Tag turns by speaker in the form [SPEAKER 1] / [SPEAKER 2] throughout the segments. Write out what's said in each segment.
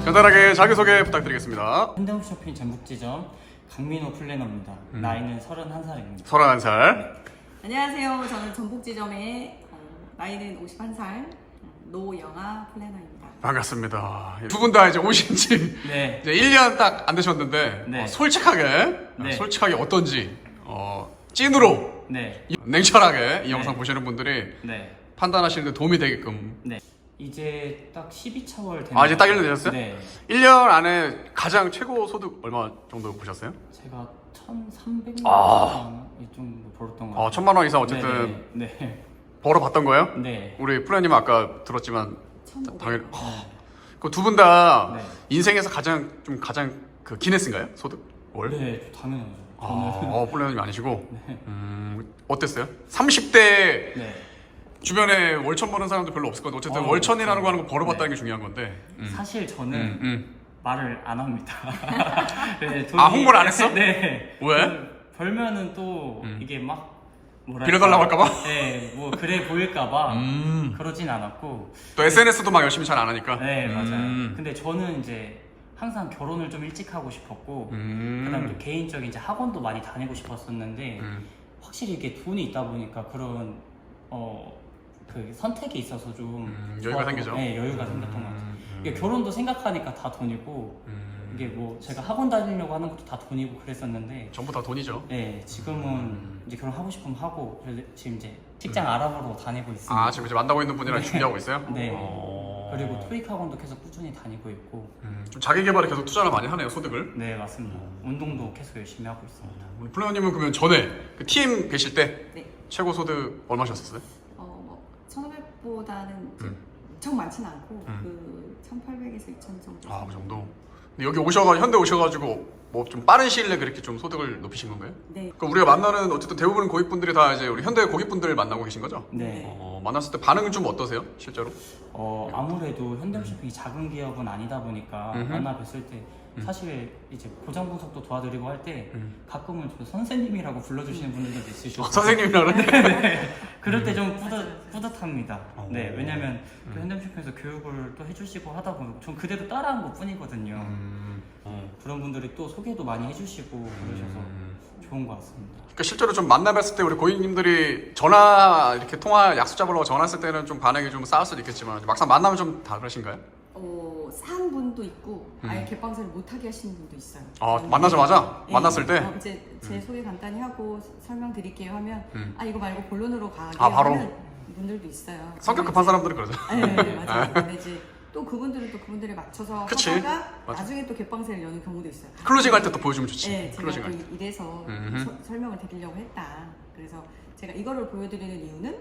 [SPEAKER 1] 간단하게 자기소개 부탁드리겠습니다.
[SPEAKER 2] 현대홈쇼핑 전북지점 강민호 플래너입니다. 나이는 31살입니다.
[SPEAKER 1] 31살.
[SPEAKER 3] 안녕하세요. 저는 전북지점의 나이는 51살 노영아 플래너입니다.
[SPEAKER 1] 반갑습니다. 두 분 다 이제 오신 지
[SPEAKER 2] 네.
[SPEAKER 1] 이제 1년 딱 안 되셨는데
[SPEAKER 2] 네.
[SPEAKER 1] 솔직하게 어떤지 찐으로
[SPEAKER 2] 네.
[SPEAKER 1] 냉철하게 이
[SPEAKER 2] 네.
[SPEAKER 1] 영상 보시는 분들이
[SPEAKER 2] 네.
[SPEAKER 1] 판단하시는 데 도움이 되게끔.
[SPEAKER 2] 네. 이제 딱 12차월 된.
[SPEAKER 1] 아, 이제 딱 1년 되셨어요?
[SPEAKER 2] 네.
[SPEAKER 1] 1년 안에 가장 최고 소득 얼마 정도 보셨어요?
[SPEAKER 2] 제가 1,300만
[SPEAKER 1] 아.
[SPEAKER 2] 원 이 정도 벌었던 것 같아요.
[SPEAKER 1] 1,000만 원 이상 어쨌든
[SPEAKER 2] 네.
[SPEAKER 1] 벌어봤던 거예요?
[SPEAKER 2] 네.
[SPEAKER 1] 우리 플래님 아까 들었지만
[SPEAKER 3] 1,500.
[SPEAKER 1] 당연히
[SPEAKER 2] 네.
[SPEAKER 1] 그 두 분 다
[SPEAKER 2] 네.
[SPEAKER 1] 인생에서 가장 그 기네스인가요? 소득? 월?
[SPEAKER 2] 네, 당연하죠.
[SPEAKER 1] 플래너님 아니시고.
[SPEAKER 2] 네.
[SPEAKER 1] 어땠어요? 30대
[SPEAKER 2] 네.
[SPEAKER 1] 주변에 월천 버는 사람도 별로 없을 건데 어쨌든
[SPEAKER 2] 어,
[SPEAKER 1] 월천이라는 거 하는 거
[SPEAKER 2] 네.
[SPEAKER 1] 벌어봤다는 게 중요한 건데.
[SPEAKER 2] 사실 저는 말을 안 합니다. 네,
[SPEAKER 1] 아, 홍보를 안 했어?
[SPEAKER 2] 네.
[SPEAKER 1] 왜?
[SPEAKER 2] 벌면은 또 이게 막 뭐랄까,
[SPEAKER 1] 빌려달라고 할까봐?
[SPEAKER 2] 네, 뭐 그래 보일까봐 그러진 않았고.
[SPEAKER 1] 또 SNS도 막 열심히 잘 안 하니까.
[SPEAKER 2] 네, 맞아요. 근데 저는 이제 항상 결혼을 좀 일찍 하고 싶었고, 그다음 또 개인적인 이제 학원도 많이 다니고 싶었었는데, 확실히 이게 돈이 있다 보니까 그런 그 선택에 있어서 좀
[SPEAKER 1] 여유가
[SPEAKER 2] 좋았고,
[SPEAKER 1] 생기죠.
[SPEAKER 2] 네, 여유가 생겼던 것 같아요. 이게 결혼도 생각하니까 다 돈이고, 이게 뭐 제가 학원 다니려고 하는 것도 다 돈이고 그랬었는데,
[SPEAKER 1] 전부 다 돈이죠.
[SPEAKER 2] 네, 지금은 이제 결혼하고 싶으면 하고, 그래서 지금 이제 직장 알아보러 다니고 있습니다.
[SPEAKER 1] 아, 지금 이제 만나고 있는 분이랑 준비하고 있어요?
[SPEAKER 2] 네. 그리고 토익 학원도 계속 꾸준히 다니고 있고.
[SPEAKER 1] 좀 자기 개발에 계속 투자를 많이 하네요, 소득을.
[SPEAKER 2] 네, 맞습니다. 운동도 계속 열심히 하고 있습니다.
[SPEAKER 1] 우리 플래너님은 그러면 전에 그 TM 계실 때
[SPEAKER 3] 네.
[SPEAKER 1] 최고 소득 얼마셨어요?
[SPEAKER 3] 1,500보다는 엄청 많진 않고 그 1,800에서 2,000 정도.
[SPEAKER 1] 아, 그 정도. 근데 여기 현대 오셔가지고 뭐 좀 빠른 시일 내에 그렇게 좀 소득을 높이신 건가요?
[SPEAKER 3] 네.
[SPEAKER 1] 그럼 우리가 만나는 어쨌든 대부분 고객분들이 다 이제 우리 현대 고객분들 만나고 계신 거죠?
[SPEAKER 2] 네.
[SPEAKER 1] 만났을 때 반응은 좀 어떠세요, 실제로?
[SPEAKER 2] 아무래도 현대홈쇼핑이 작은 기업은 아니다 보니까 만나 뵀을 때 사실 이제 고장 분석도 도와드리고 할 때 가끔은 저 선생님이라고 불러주시는 분들도 있으시고
[SPEAKER 1] 선생님이라 그러네.
[SPEAKER 2] 그럴 때 좀 뿌듯합니다. 네, 왜냐면 또 현대홈쇼핑에서 교육을 또 해주시고 하다 보면 전 그대로 따라한 것 뿐이거든요. 그런 분들이 또 소개도 많이 해주시고 그러셔서 좋은 것 같습니다.
[SPEAKER 1] 그러니까 실제로 좀 만나뵀을 때 우리 고객님들이 전화 이렇게 통화 약속 잡으려고 전화했을 때는 좀 반응이 좀 쌓을 수도 있겠지만 막상 만나면 좀 다르신가요?
[SPEAKER 3] 산 분도 있고 아예 개방세를 못하게 하시는 분도 있어요.
[SPEAKER 1] 아, 만나자마자?
[SPEAKER 3] 네.
[SPEAKER 1] 만났을 때?
[SPEAKER 3] 이제 제 소개 간단히 하고 설명드릴게요 하면 아 이거 말고 본론으로 가게
[SPEAKER 1] 바로?
[SPEAKER 3] 하는 분들도 있어요.
[SPEAKER 1] 성격 급한 사람들은 그러죠.
[SPEAKER 3] 네, 맞아요. 근데 이제 또 그분들은 또 그분들에 맞춰서
[SPEAKER 1] 그치.
[SPEAKER 3] 하다가
[SPEAKER 1] 맞아.
[SPEAKER 3] 나중에 또 개방세를 여는 경우도 있어요.
[SPEAKER 1] 클로징 할 때 또 보여주면 좋지.
[SPEAKER 3] 네, 제가
[SPEAKER 1] 클로징
[SPEAKER 3] 또
[SPEAKER 1] 할 때.
[SPEAKER 3] 이래서 설명을 드리려고 했다. 그래서 제가 이거를 보여드리는 이유는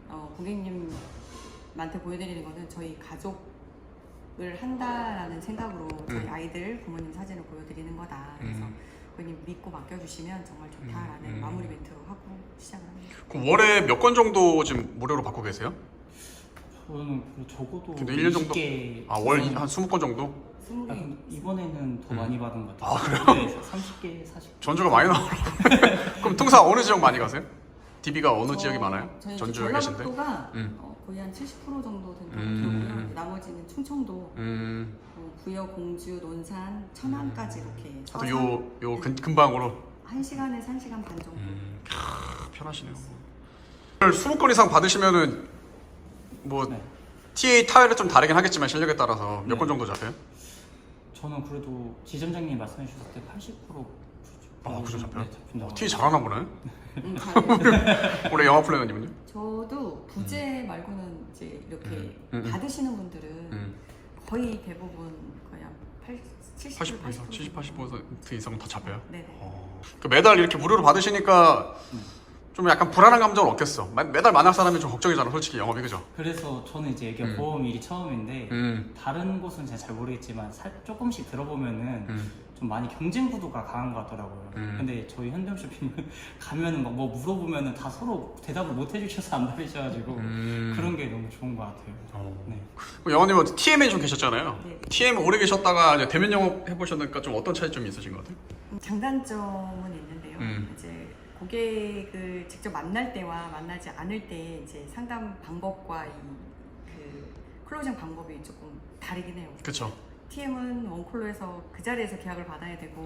[SPEAKER 3] 고객님한테 보여드리는 거는 저희 가족을 한다라는 생각으로 저희 아이들 부모님 사진을 보여드리는 거다. 그래서 고객님 믿고 맡겨주시면 정말 좋다라는 마무리 멘트로 하고 시작을 합니다.
[SPEAKER 1] 그럼 월에 몇 건 정도 지금 무료로 받고 계세요?
[SPEAKER 2] 저는 적어도
[SPEAKER 1] 근데 1년 정도?
[SPEAKER 2] 20개
[SPEAKER 1] 월 한 20건 정도?
[SPEAKER 3] 20개
[SPEAKER 2] 근데 이번에는 더 많이 받은 것 같아요. 네, 30개, 40개.
[SPEAKER 1] 전주가 많이 나오고. 그럼 통상 어느 지역 많이 가세요? DB가 어느 지역이 많아요?
[SPEAKER 3] 저희
[SPEAKER 1] 전주에 계신데?
[SPEAKER 3] 전라북도가 거의 한 70% 정도 된다고 들었고요. 나머지는 충청도, 부여, 공주, 논산, 천안까지 이렇게
[SPEAKER 1] 하여튼 요 근방으로
[SPEAKER 3] 1시간에서 1시간 반 정도.
[SPEAKER 1] 편하시네요. 20건 이상 받으시면은 뭐
[SPEAKER 2] 네.
[SPEAKER 1] TA 타율은 좀 다르긴 하겠지만 실력에 따라서 몇
[SPEAKER 2] 네.
[SPEAKER 1] 건 정도 잡혀요?
[SPEAKER 2] 저는 그래도 지점장님 말씀해 주셨을 때 80%
[SPEAKER 1] 그죠 잡혀요?
[SPEAKER 2] 네, 잡힌다고.
[SPEAKER 1] TA 잘하나 보네.
[SPEAKER 3] 잘해요.
[SPEAKER 1] 올해 영화 플래너님은요?
[SPEAKER 3] 저도 부재 말고는 이제 이렇게 받으시는 분들은 거의 대부분 거의 한 70,
[SPEAKER 1] 80% 이상, 70-80% 이상은 다 잡혀요?
[SPEAKER 3] 네네.
[SPEAKER 1] 그러니까 매달 이렇게 무료로 받으시니까 좀 약간 불안한 감정을 얻겠어. 매달 만날 사람이 좀 걱정이잖아, 솔직히 영업이, 그죠?
[SPEAKER 2] 그래서 저는 이제 여기 보험 일이 처음인데 다른 곳은 제가 잘 모르겠지만 조금씩 들어보면은 좀 많이 경쟁 구도가 강한 것 같더라고요. 근데 저희 현대홈쇼핑은 가면은 막 뭐 물어보면은 다 서로 대답을 못 해주셔서 안 받으셔가지고 그런 게 너무 좋은 것 같아요. 네.
[SPEAKER 1] 영화님은 TM에 좀 계셨잖아요.
[SPEAKER 3] 네.
[SPEAKER 1] TM 오래 계셨다가 이제 대면 영업 해보셨으니까 좀 어떤 차이점이 있으신 것 같아요?
[SPEAKER 3] 장단점은 있는데요. 이제 고객을 직접 만날 때와 만나지 않을 때 이제 상담 방법과 그 클로징 방법이 조금 다르긴 해요.
[SPEAKER 1] 그쵸.
[SPEAKER 3] TM은 원콜로에서 그 자리에서 계약을 받아야 되고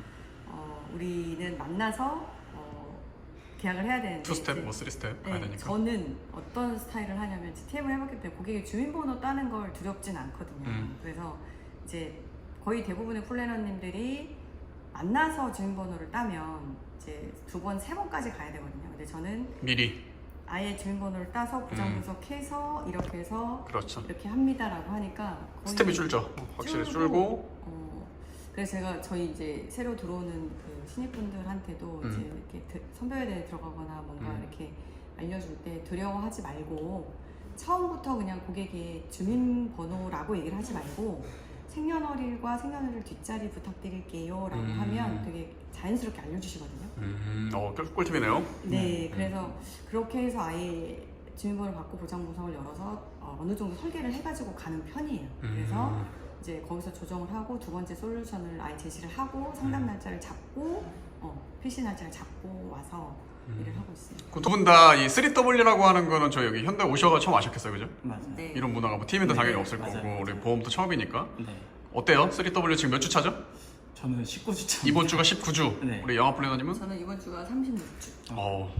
[SPEAKER 3] 우리는 만나서 계약을 해야 되는데
[SPEAKER 1] 2스텝, 뭐 3스텝 가야
[SPEAKER 3] 네,
[SPEAKER 1] 되니까.
[SPEAKER 3] 저는 어떤 스타일을 하냐면 TM을 해봤기 때문에 고객의 주민번호 따는 걸 두렵진 않거든요. 그래서 이제 거의 대부분의 플래너님들이 만나서 주민번호를 따면 이제 2번, 3번까지 가야 되거든요. 근데 저는
[SPEAKER 1] 미리.
[SPEAKER 3] 아예 주민번호를 따서 보장 분석해서 이렇게 해서
[SPEAKER 1] 그렇죠.
[SPEAKER 3] 이렇게 합니다라고 하니까 거의
[SPEAKER 1] 스텝이 줄죠. 확실히 줄고.
[SPEAKER 3] 그래서 제가 저희 이제 새로 들어오는 그 신입분들한테도 이제 이렇게 선별대에 들어가거나 뭔가 이렇게 알려줄 때 두려워하지 말고 처음부터 그냥 고객의 주민번호라고 얘기를 하지 말고 생년월일과 생년월일 뒷자리 부탁드릴게요 라고 하면 되게 자연스럽게 알려주시거든요.
[SPEAKER 1] 꿀팁이네요.
[SPEAKER 3] 네, 그래서 그렇게 해서 아예 주민번호를 받고 보장 분석을 열어서 어느 정도 설계를 해가지고 가는 편이에요. 그래서 이제 거기서 조정을 하고 2번째 솔루션을 아예 제시를 하고 상담 날짜를 잡고 PC 날짜를 잡고 와서 일을 하고 있어요.
[SPEAKER 1] 두 분 다 이 3W라고 하는 거는 저 여기 현대 오셔가 처음 아셨겠어요, 그죠?
[SPEAKER 2] 맞아요.
[SPEAKER 3] 네.
[SPEAKER 1] 이런 문화가 뭐 팀인도
[SPEAKER 2] 네,
[SPEAKER 1] 당연히 없을
[SPEAKER 2] 맞아요,
[SPEAKER 1] 거고
[SPEAKER 2] 맞아요.
[SPEAKER 1] 우리 보험도 처음이니까.
[SPEAKER 2] 네.
[SPEAKER 1] 어때요? 3W 지금 몇 주 차죠?
[SPEAKER 2] 저는 19주차.
[SPEAKER 1] 이번 주가 19주.
[SPEAKER 2] 네.
[SPEAKER 1] 우리 영화 플래너님은?
[SPEAKER 3] 저는 이번 주가 36주.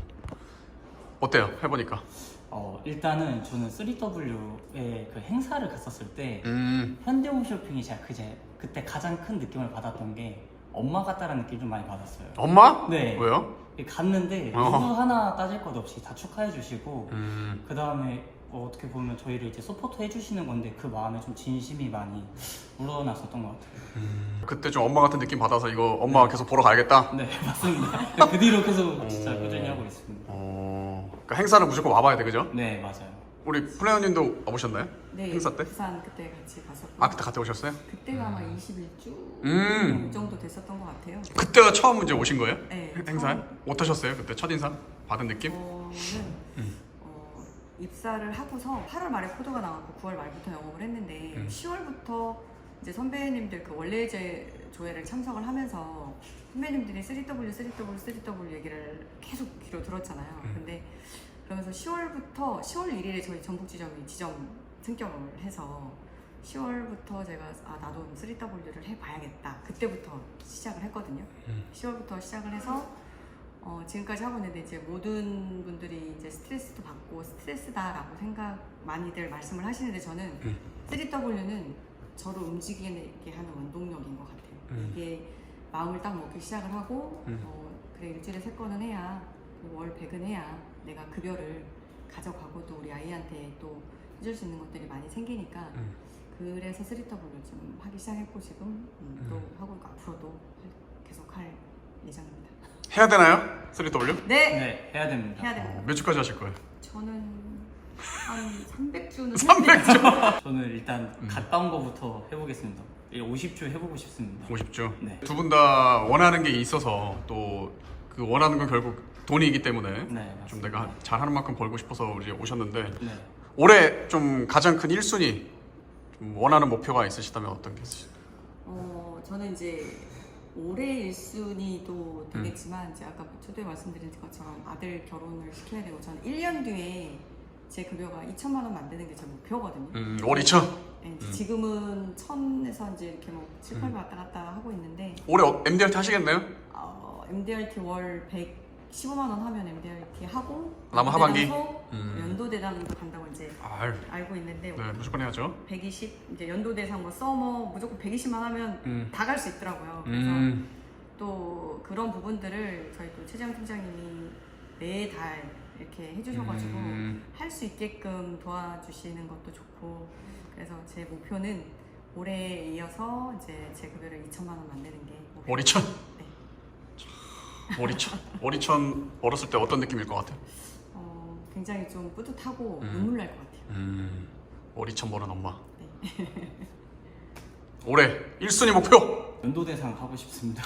[SPEAKER 1] 어때요? 해보니까.
[SPEAKER 2] 일단은 저는 3W의 그 행사를 갔었을 때
[SPEAKER 1] 음.
[SPEAKER 2] 현대홈쇼핑이 제가 그때 가장 큰 느낌을 받았던 게 엄마 같다라는 느낌 좀 많이 받았어요.
[SPEAKER 1] 엄마?
[SPEAKER 2] 네.
[SPEAKER 1] 왜요?
[SPEAKER 2] 갔는데 누구 하나 따질 것 없이 다 축하해 주시고 그 다음에 어떻게 보면 저희를 이제 서포트 해주시는 건데 그 마음에 좀 진심이 많이 우러났었던 것 같아요.
[SPEAKER 1] 그때 좀 엄마 같은 느낌 받아서 이거 엄마 계속 보러 가야겠다.
[SPEAKER 2] 네 맞습니다. 그 뒤로 계속 진짜 꾸준히 하고 있습니다.
[SPEAKER 1] 그러니까 행사는 무조건 와봐야 돼, 그죠?
[SPEAKER 2] 네 맞아요.
[SPEAKER 1] 우리 플래너님도 와보셨나요?
[SPEAKER 3] 네,
[SPEAKER 1] 행사 때?
[SPEAKER 3] 부산 그때 같이 갔었고.
[SPEAKER 1] 그때 갔다 오셨어요?
[SPEAKER 3] 그때가 아마 21주
[SPEAKER 1] 음.
[SPEAKER 3] 정도 됐었던 것 같아요.
[SPEAKER 1] 그때가 처음 이제 오신 거예요?
[SPEAKER 3] 네,
[SPEAKER 1] 행사에?
[SPEAKER 3] 처음.
[SPEAKER 1] 어떠셨어요? 그때 첫인상? 받은 느낌?
[SPEAKER 3] 저는 입사를 하고서 8월 말에 코드가 나왔고 9월 말부터 영업을 했는데 10월부터 이제 선배님들 그 원래 조회를 참석을 하면서 선배님들이 3W 얘기를 계속 귀로 들었잖아요. 근데 그러면서 10월부터 10월 1일에 저희 전북 지점이 지점 승격을 해서 10월부터 제가 나도 3W를 해봐야겠다. 그때부터 시작을 했거든요. 10월부터 시작을 해서 지금까지 하고 있는데 이제 모든 분들이 이제 스트레스도 받고 스트레스다라고 많이들 말씀을 하시는데 저는 3W는 저를 움직이게 하는 원동력인 것 같아요. 이게 마음을 딱 먹기 시작을 하고 그래 일주일에 3건은 해야 월 100은 해야 내가 급여를 가져가고 또 우리 아이한테 또 해줄 수 있는 것들이 많이 생기니까 그래서 3W 좀 하기 시작했고 지금 또 하고 있고 앞으로도 계속 할 예정입니다.
[SPEAKER 1] 해야 되나요? 3W?
[SPEAKER 3] 네!
[SPEAKER 2] 네 해야 됩니다.
[SPEAKER 3] 해야 됩니다.
[SPEAKER 1] 몇 주까지 하실 거예요?
[SPEAKER 3] 저는 한 300주는
[SPEAKER 1] 300주?
[SPEAKER 2] 저는 일단 갔다 온 거부터 해보겠습니다. 50주 해보고 싶습니다.
[SPEAKER 1] 50주?
[SPEAKER 2] 네.
[SPEAKER 1] 두 분 다 원하는 게 있어서 또 그 원하는 건 결국 돈이기 때문에
[SPEAKER 2] 네,
[SPEAKER 1] 좀
[SPEAKER 2] 맞습니다.
[SPEAKER 1] 내가 잘하는 만큼 벌고 싶어서 우리 오셨는데
[SPEAKER 2] 네.
[SPEAKER 1] 올해 좀 가장 큰 1순위 좀 원하는 목표가 있으시다면 어떤 게 있으세요?
[SPEAKER 3] 저는 이제 올해 1순위도 되겠지만 이제 아까 초대에 말씀드린 것처럼 아들 결혼을 시켜야 되고 저는 1년 뒤에 제 급여가 2천만 원 만드는 게 제 목표거든요.
[SPEAKER 1] 월 2천?
[SPEAKER 3] 네, 지금은 1,000에서 이제 이렇게 뭐 7, 8 왔다 갔다 하고 있는데
[SPEAKER 1] 올해 MDRT 하시겠네요?
[SPEAKER 3] MDRT 월 115만 원 하면 MDRT 하고
[SPEAKER 1] 남은 하반기?
[SPEAKER 3] 연도대상도 간다고 이제
[SPEAKER 1] 아유,
[SPEAKER 3] 알고 있는데
[SPEAKER 1] 네, 무조건 해야죠.
[SPEAKER 3] 120 이제 연도대상 뭐 서머 무조건 120만 하면 다 갈 수 있더라고요. 그래서 또 그런 부분들을 저희 또 최재형 팀장님이 매달 이렇게 해주셔가지고 할 수 있게끔 도와주시는 것도 좋고 그래서 제 목표는 올해에 이어서 이제 제 급여를 2천만 원 만드는 게 목표.
[SPEAKER 1] 월 2천?
[SPEAKER 3] 네.
[SPEAKER 1] 월 2천? 월 2천 벌었을 때 어떤 느낌일 것 같아요?
[SPEAKER 3] 굉장히 좀 뿌듯하고 눈물 날 것 같아요.
[SPEAKER 1] 월 2천 버는 엄마.
[SPEAKER 3] 네.
[SPEAKER 1] 올해 1순위 목표!
[SPEAKER 2] 연도대상 하고 싶습니다.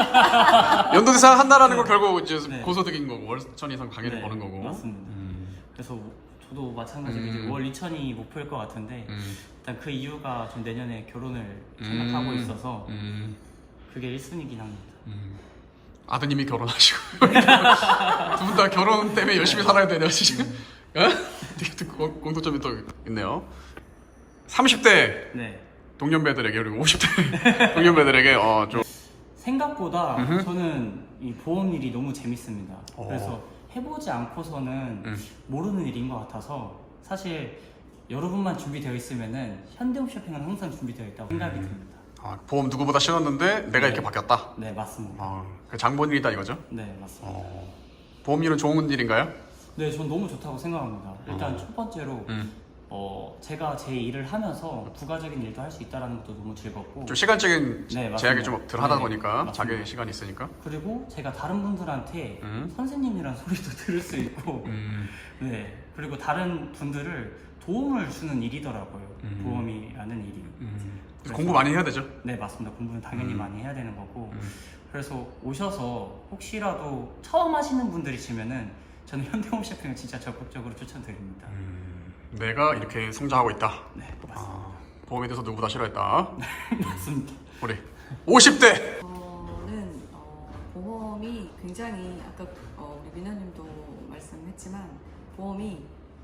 [SPEAKER 1] 연도대상 한다라는 건 결국 이제
[SPEAKER 2] 네.
[SPEAKER 1] 고소득인 거고 월 2천 이상 당연히
[SPEAKER 2] 네,
[SPEAKER 1] 버는 거고.
[SPEAKER 2] 맞습니다. 그래서 저도 마찬가지로 이제 월 2천이 목표일 것 같은데 일단 그 이유가 좀 내년에 결혼을 생각하고 있어서 그게 1순위긴 합니다.
[SPEAKER 1] 아드님이 결혼하시고 두 분 다 결혼 때문에 열심히 살아야 되네요 지금. 되게 또 공통점이 또 있네요. 30대
[SPEAKER 2] 네.
[SPEAKER 1] 동년배들에게 그리고 50대 동년배들에게 좀
[SPEAKER 2] 생각보다 저는 이 보험 일이 너무 재밌습니다. 그래서 해보지 않고서는 모르는 일인 것 같아서 사실 여러분만 준비되어 있으면은 현대홈쇼핑은 항상 준비되어 있다고 생각이 듭니다.
[SPEAKER 1] 보험 누구보다 쉬웠는데 내가 이렇게 바뀌었다.
[SPEAKER 2] 네, 맞습니다.
[SPEAKER 1] 그 장본 일이다 이거죠?
[SPEAKER 2] 네, 맞습니다.
[SPEAKER 1] 보험 일은 좋은 일인가요?
[SPEAKER 2] 네, 전 너무 좋다고 생각합니다. 일단 첫 번째로 제가 제 일을 하면서 부가적인 일도 할 수 있다는 것도 너무 즐겁고
[SPEAKER 1] 좀 시간적인
[SPEAKER 2] 네, 맞습니다.
[SPEAKER 1] 제약이 좀 덜 하다
[SPEAKER 2] 네,
[SPEAKER 1] 보니까
[SPEAKER 2] 맞습니다.
[SPEAKER 1] 자기 시간이 있으니까.
[SPEAKER 2] 그리고 제가 다른 분들한테 선생님이란 소리도 들을 수 있고 네, 그리고 다른 분들을 도움을 주는 일이더라고요. 보험이라는 일이. 그래서
[SPEAKER 1] 공부 많이 해야 되죠?
[SPEAKER 2] 네, 맞습니다. 공부는 당연히 많이 해야 되는 거고 그래서 오셔서 혹시라도 처음 하시는 분들이시면은 저는 현대홈쇼핑을 진짜 적극적으로 추천드립니다.
[SPEAKER 1] 내가 이렇게 성장하고 있다.
[SPEAKER 2] 네, 맞습니다.
[SPEAKER 1] 보험에 대해서 누구보다 싫어했다.
[SPEAKER 2] 맞습니다.
[SPEAKER 1] 우리 50대.
[SPEAKER 3] 저는 보험이 굉장히 아까 우리 민호님도 말씀했지만 보험이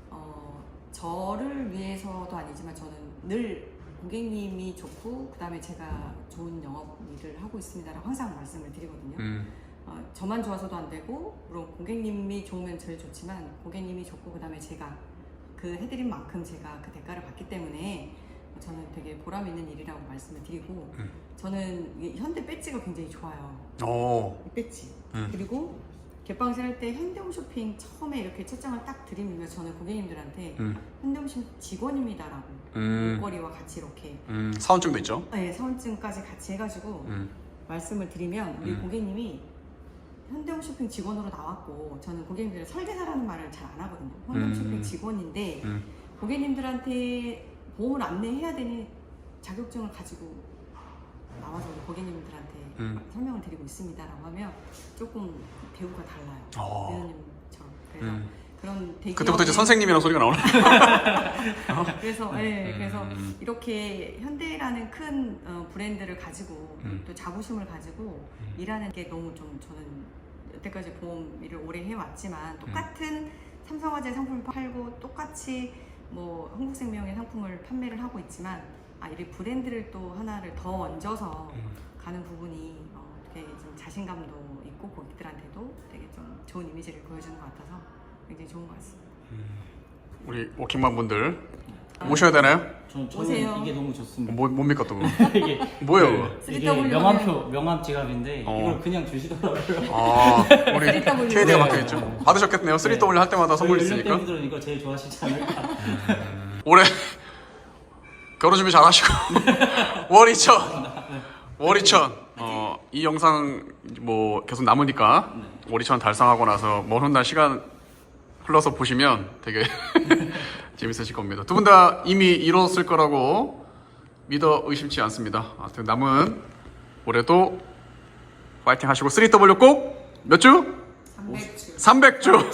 [SPEAKER 3] 저를 위해서도 아니지만 저는 늘 고객님이 좋고 그 다음에 제가 좋은 영업 일을 하고 있습니다라고 항상 말씀을 드리거든요. 저만 좋아서도 안 되고 물론 고객님이 좋으면 제일 좋지만 고객님이 좋고 그 다음에 제가 그 해드린 만큼 제가 그 대가를 받기 때문에 저는 되게 보람 있는 일이라고 말씀을 드리고 저는 이 현대 배지가 굉장히 좋아요. 이 배지. 그리고 개방실 할 때 현대홈쇼핑 처음에 이렇게 채점을 딱 드리면 저는 고객님들한테 현대홈쇼핑 직원입니다라고 목걸이와 같이 이렇게
[SPEAKER 1] 사원증도 있죠?
[SPEAKER 3] 네, 사원증까지 같이 해가지고 말씀을 드리면 우리 고객님이 현대홈쇼핑 직원으로 나왔고 저는 고객님들의 설계사라는 말을 잘 안 하거든요. 현대홈쇼핑 직원인데 고객님들한테 보험을 안내해야 되는 자격증을 가지고 나와서 우리 고객님들한테 설명을 드리고 있습니다라고 하면 조금 대우가 달라요. 민호님처럼. 그래서 그런 대기업의
[SPEAKER 1] 그때부터 이제 선생님이라는 소리가 나오나?
[SPEAKER 3] 그래서 그래서 이렇게 현대라는 큰 브랜드를 가지고 또 자부심을 가지고 일하는 게 너무 좀 저는 여태까지 보험 일을 오래 해왔지만 똑같은 삼성화재 상품을 팔고 똑같이 뭐 흥국생명의 상품을 판매를 하고 있지만 이 브랜드를 또 하나를 더 얹어서 가는 부분이 되게 좀 자신감도 있고 고객들한테도 되게 좀 좋은 이미지를 보여주는 것 같아서 굉장히 좋은 것 같습니다.
[SPEAKER 1] 우리 워킹맘 분들 모셔야 되나요?
[SPEAKER 2] 저는
[SPEAKER 3] 오세요.
[SPEAKER 2] 이게 너무 좋습니다.
[SPEAKER 1] 뭡니까 또?
[SPEAKER 2] 이게
[SPEAKER 1] 뭐예요?
[SPEAKER 2] 이게
[SPEAKER 3] 3W
[SPEAKER 2] 명함 지갑인데 이걸 그냥 주시더라고요.
[SPEAKER 1] 우리
[SPEAKER 3] 3W.
[SPEAKER 1] KD가 막혀있죠? 받으셨겠네요. 3W 할 때마다 선물 있으니까.
[SPEAKER 2] 분들은 이거 제일 좋아하시지 않을까.
[SPEAKER 1] 올해 결혼 준비 잘 하시고 월이천 이 영상 뭐 계속 남으니까 월이천 달성하고 나서 먼 훗날 시간 흘러서 보시면 되게 재밌으실 겁니다. 두 분 다 이미 이뤘을 거라고 믿어 의심치 않습니다. 아무튼 남은 올해도 파이팅 하시고 3W 꼭 몇 주? 300주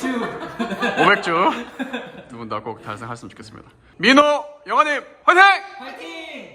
[SPEAKER 1] 500주 두 분 다 꼭 달성하셨으면 좋겠습니다. 민호 영화님 화이팅!
[SPEAKER 2] 화이팅!